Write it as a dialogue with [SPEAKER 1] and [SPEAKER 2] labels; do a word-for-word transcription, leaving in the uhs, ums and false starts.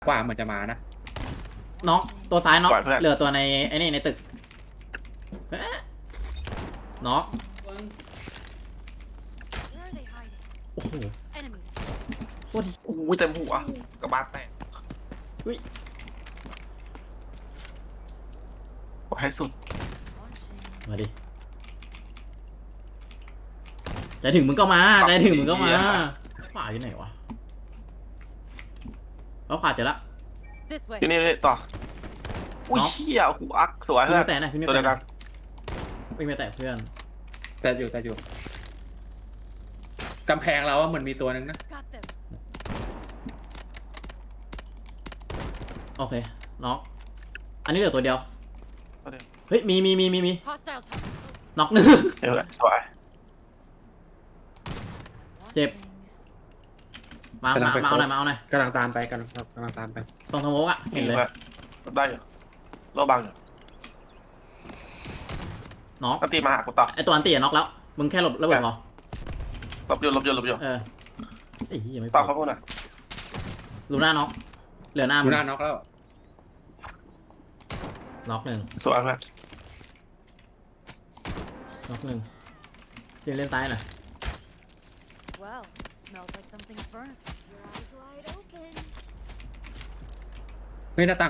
[SPEAKER 1] กว่าเหมือนจะมานะ
[SPEAKER 2] น้องตัวซ้ายน้อง
[SPEAKER 3] ปล่อยเพื่อน
[SPEAKER 2] เหลือตัวในไอ้นี่ในตึกเอ๊ะน้องโอ้โหโคตร
[SPEAKER 3] โอ้ยเต็มหัวกระบาดแตก
[SPEAKER 2] อุ้ย
[SPEAKER 3] ขอให้สุด
[SPEAKER 2] มาดิใจถึงมึงก็มาใจถึงมึงก็มาขวาอยู่ไหนวะแล้วขวาเจอละ
[SPEAKER 3] ที่นี่นี่ต่ออุ้ย
[SPEAKER 2] น้อง
[SPEAKER 3] เชี่ยหูอักสวย
[SPEAKER 2] พี่
[SPEAKER 3] เพื่อ
[SPEAKER 2] ไม่
[SPEAKER 3] น
[SPEAKER 2] แตะนะพี่ไม่
[SPEAKER 3] ตัว
[SPEAKER 2] แตะ
[SPEAKER 3] เดียวกั
[SPEAKER 2] นะ
[SPEAKER 3] น
[SPEAKER 2] พี่ไม่แตะเพื่อน
[SPEAKER 1] แต่อยู่แต่อยู่กำแพงเราว่าเหมือนมีตัวนึงนะ
[SPEAKER 2] โอเคน้องอันนี้เหลือตัวเดียว
[SPEAKER 3] ตัวเดียว
[SPEAKER 2] เฮ้ยมีมีมีมีมีน็อกหนึ่ง
[SPEAKER 3] เดี๋ยวแหละสวย
[SPEAKER 2] เจ็บมามามาเอาหน่อยมาเอาหน่อย
[SPEAKER 1] กำลังตามไปกำลังกำลังตามไป
[SPEAKER 2] ตรงสโมกอะเห็นเลย
[SPEAKER 3] พื่อนได้อยู่โลบังอยู่
[SPEAKER 2] น้อง
[SPEAKER 3] ตั้งตีมาหากูต่อ
[SPEAKER 2] ไอตัวอันตีอะน็อกแล้วมึงแค่หลบระเบิดพอ
[SPEAKER 3] หลบอยู่หลบอยู่หลบอยู่
[SPEAKER 2] เออไอ้เหี้ยไม่พ
[SPEAKER 3] ต่อ
[SPEAKER 2] อ
[SPEAKER 3] เขาพูดหน่อย
[SPEAKER 2] ลูน่าน็อกเหลือหน้า
[SPEAKER 1] ดู
[SPEAKER 2] มึง
[SPEAKER 1] หน้าน็อกแล้ว
[SPEAKER 2] น็อกหนึ่ง
[SPEAKER 3] สวยเพื่อน
[SPEAKER 2] น็อกหนึ่งเล่นเล่นซ้ายหน่อย
[SPEAKER 4] Well, smells like something's burnt. Your eyes wide open.
[SPEAKER 1] เฮ้ยหน้าต่าง